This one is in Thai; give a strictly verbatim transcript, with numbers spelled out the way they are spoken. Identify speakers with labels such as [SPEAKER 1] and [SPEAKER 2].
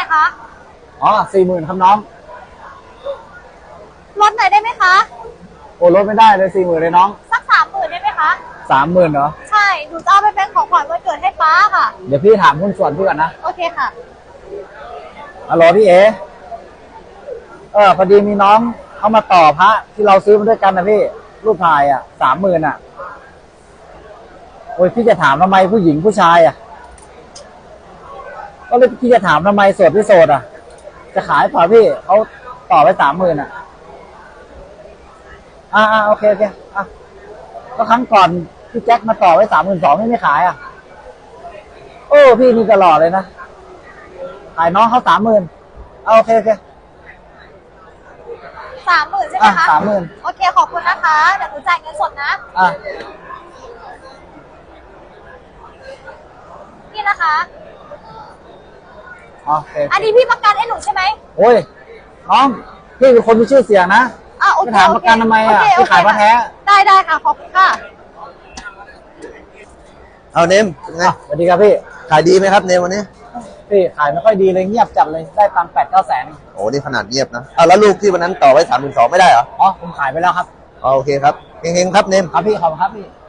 [SPEAKER 1] คะ
[SPEAKER 2] อ๋อสี่หมื่นครับน้อง
[SPEAKER 1] ลดหน่อยได้ไหมคะ
[SPEAKER 2] โอ้ลดไม่ได้เลยสี่หมื่นเลยน้อง
[SPEAKER 1] สักสามหมื่นได้ไหมคะ
[SPEAKER 2] สามหมื่นเหรอ
[SPEAKER 1] ใช่หนูจะเอาไปเป็นของขวัญวันเกิดให้ป้าค่ะ
[SPEAKER 2] เดี๋ยวพี่ถามหุ้นส่วนพี่ก่อนนะ
[SPEAKER 1] โอเคค่ะ
[SPEAKER 2] ฮัลโหลพี่เอเออพอดีมีน้องเขามาต่อพระที่เราซื้อมาด้วยกันนะพี่รูปถ่ายอ่ะสามหมื่นอ่ะโอ้ยพี่จะถามทำไมผู้หญิงผู้ชายอ่ะก็เลยพี่จะถามทำไมโสดพี่โสดอ่ะจะขายเปล่าพี่เขาต่อไปสามหมื่นอ่ะอ่าอ่าโอเคโอเคอ่ะก็ครั้งก่อนพี่แจ็คมาต่อไว้สามหมื่นสองไม่ไม่ขายอ่ะโอ้พี่นี่ตลอดเลยนะขายน้องเขาสามหมื่นเอาโอเคโอเค
[SPEAKER 1] สามหมื่นใช่ไหม
[SPEAKER 2] อ่ะ
[SPEAKER 1] คะ
[SPEAKER 2] สามหมื่น
[SPEAKER 1] โอเคขอบคุณนะคะ เดี๋ยวหนูจ่ายเงินสดนะ
[SPEAKER 2] อ่ะ
[SPEAKER 1] นี่นะคะ
[SPEAKER 2] อ๋อโอเค
[SPEAKER 1] อันนี้พี่ประกันให้หนูใช่ไหม
[SPEAKER 2] โอ้ยน้องพี่เป็นคนมีชื่อเสียงนะ
[SPEAKER 1] อ่ะโอเค
[SPEAKER 2] จะถามประกันทำไมอ่ะ
[SPEAKER 1] โเค
[SPEAKER 2] พี่ขายพระแท้
[SPEAKER 1] ได้ได้ค่ะ ขอบคุณค่ะ
[SPEAKER 3] เอาเนมเป็นไง
[SPEAKER 2] อ่ะสวัสดีครับพี่
[SPEAKER 3] ขายดีไหมครับเนมวันนี้
[SPEAKER 2] พี่ขายไม่ค่อยดีเลยเงียบจัดเลยได้ตังค์แปดเก้าแสน
[SPEAKER 3] โอ้นี่ขนาดเงียบนะเอาแล้วลูกที่วันนั้นต่อไว้สามหมื่นสองไม่ได้เหรอ
[SPEAKER 2] อ๋อผมขายไปแล้วครับ
[SPEAKER 3] อ๋อโอเคครับเฮงๆครับเนม
[SPEAKER 2] ครับพี่ขอบคุณครับพี่